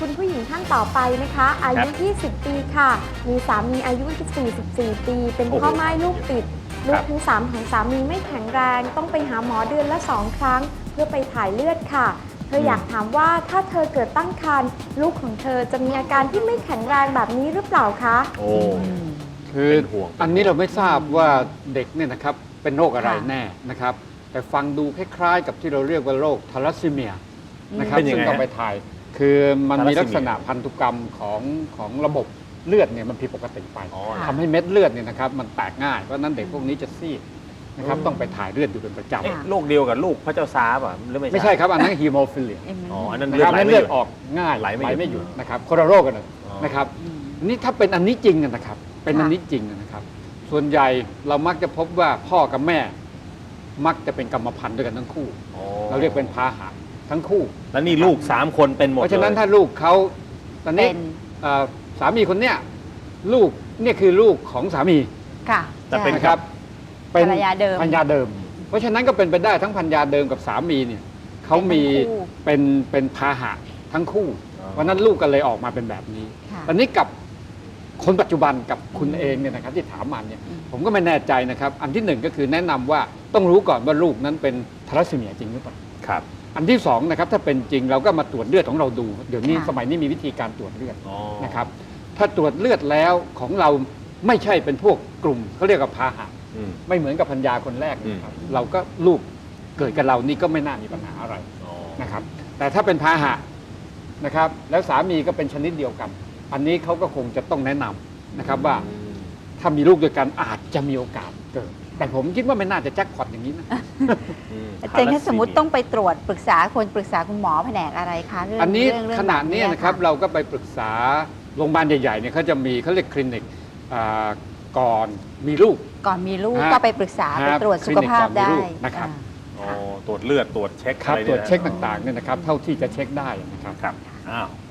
คุณผู้หญิงท่านต่อไปนะคะ อายุ 20 ปีค่ะ มีสามีอายุ 44 ปี เป็นพ่อม่ายลูกติด ลูกทั้ง 3 ของสามีไม่แข็งแรง ต้องไปหาหมอเดือนละ 2 ครั้ง เพื่อไปถ่ายเลือดค่ะ เธออยากถามว่าถ้าเธอเกิดตั้งครรภ์ลูกของเธอจะมีอาการที่ไม่แข็งแรงแบบนี้หรือเปล่าคะโอ้คืออันนี้เราไม่ทราบว่าเด็กเนี่ยนะครับเป็นโรคอะไรแน่นะครับแต่ฟังดูคล้ายๆ กับที่เราเรียกว่าโรคทาลัสซีเมียนะครับซึ่งต้องไปถ่ายคือมันมีลักษณะพันธุกรรมของระบบเลือดเนี่ยมันผิดปกติไปทำให้เม็ดเลือดเนี่ยนะครับมันแตกง่ายเพราะนั้นเด็กพวกนี้จะซีดนะครับต้องไปถ่ายเลือดอยู่เป็นประจำโรคเดียวกับลูกพระเจ้าซาร์ป่ะหรือไม่ใช่ครับอันนั้นฮีโมฟิเลียอ๋ออันนั้นนะครับให้เลือดออกง่ายไหลไม่หยุดนะครับคนละโรคกันนะครับนี่ถ้าเป็นอันนี้จริงนะครับเป็นอันนี้จริงนะครับส่วนใหญ่เรามักจะพบว่าพ่อกับแม่มักจะเป็นกรรมพันธุ์ด้วยกันทั้งคู่เราเรียกเป็นพาหะทั้งคู่แล้วนี่ลูก3 คนเป็นหมดเพราะฉะนั้นถ้าลูกเขาตอนนี้สามีคนเนี้ยลูกเนี่ยคือลูกของสามีค่ะแต่เป็นนะครับเป็นภรรยาเดิมภรรยาเดิม เพราะฉะนั้นก็เป็นไปได้ทั้งภรรยาเดิมกับสามีเนี่ยเขามีเป็นพาหะทั้งคู่เพราะนั้นลูกก็เลยออกมาเป็นแบบนี้ ตอนนี้กับคนปัจจุบันกับคุณเองเนี่ยนะครับที่ถามมาเนี่ยผมก็ไม่แน่ใจนะครับอันที่หนึ่งก็คือแนะนำว่าต้องรู้ก่อนว่าลูกนั้นเป็นทาลัสซีเมียจริงหรือเปล่าครับอันที่สองนะครับถ้าเป็นจริงเราก็มาตรวจเลือดของเราดูเดี๋ยวนี้สมัยนี้มีวิธีการตรวจเลือดนะครับถ้าตรวจเลือดแล้วของเราไม่ใช่เป็นพวกกลุ่มเขาเรียกว่าพาหะไม่เหมือนกับพัญญาคนแรกนะครับเราก็ลูกเกิดกับเรานี่ก็ไม่น่ามีปัญหาอะไรนะครับแต่ถ้าเป็นพาหะนะครับแล้วสามีก็เป็นชนิดเดียวกันอันนี้เขาก็คงจะต้องแนะนำนะครับว่าถ้ามีลูกด้วยกันอาจจะมีโอกาสเกิดแต่ผมคิดว่าไม่น่าจะแจ็คพอตอย่างนี้นะอาจารย์ถ้าสมมติต้องไปตรวจปรึกษาคุณหมอแผนกอะไรคะเรื่องอันนี้เรื่องขนาดนี้นะครับเราก็ไปปรึกษาโรงพยาบาลใหญ่ๆเนี่ยเขาจะมีเขาเรียกคลินิกก่อนมีลูกก่อนมีลูกก็ไปปรึกษาไปตรวจสุขภาพได้นะครับตรวจเลือดตรวจเช็คครับอะไรตรวจเช็คต่างๆเนี่ยนะครับเท่าที่จะเช็คได้นะครับครับอ้าว